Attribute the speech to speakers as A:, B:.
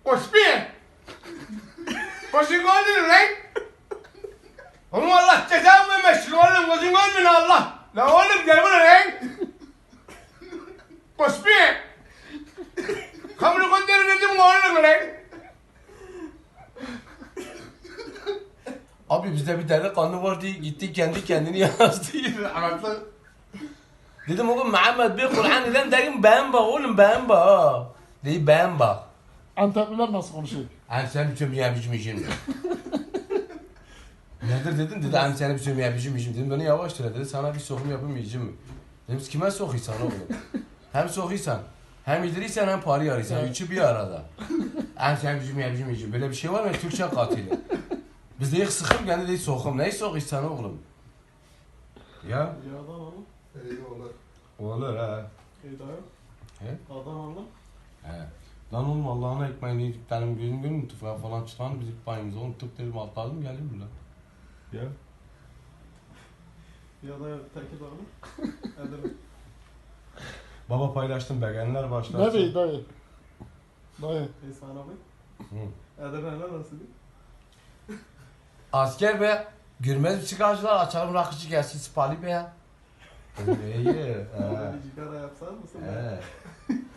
A: Koş bir. Koşun gördün lan. Oğlum Allah cezamı vermesin oğlum. Koşun gördün Allah. La oğlum gel buraya lan. Koş bir. Kamını gönderirdim oğlum lan.
B: Abi bizde bir delikanlı var diye gitti kendi kendini yazdı.
A: Anlatlı.
B: Dedim oğlum Muhammed bir Kur'an neden dedim beğen bak oğlum beğen bak ha. Dedi beğen bak.
C: Antepliler nasıl konuşuyor?
B: Hani sen bir çömeye biçmişim. Nedir dedim dedi hani seni bir çömeye biçmişim dedim beni yavaş söyle dedi sana bir sokum yapayım yiyeceğim mi? Dedim kime sokuysan oğlum? Hem sokuysan hem yedirirsen hem parayı arıyorsan üçü bir arada. Hani sen bir çömeye biçmişim böyle bir şey var mı Türkçe katili? Biz de ilk sıkım kendi değil sokum neyi sokuysan oğlum? Ya
C: Ya adam oğlum.
A: Eyvallah.
B: olur ha.
C: Hidayet.
B: He?
C: Adam oğlum.
B: He. Lan oğlum Allah'ın ekmeğini yedik benim gözüm görmüyor tufaya falan çıkan bizim payımıza onu tık dedim atladım geldim bile. Ya.
C: Ya da teki oğlum. Edirne.
B: Baba paylaştım begenler
C: Ne
B: başlarsın.
C: bey dayı? Dayı.
D: İsmail abi.
B: Hı.
D: Edirne'ler nasıl?
B: Asker be görmez mi çıkarcılar açalım rakıcı gelsin sipali be ya. İyi.
D: Orada bir cigara yapsan mısın?
B: He.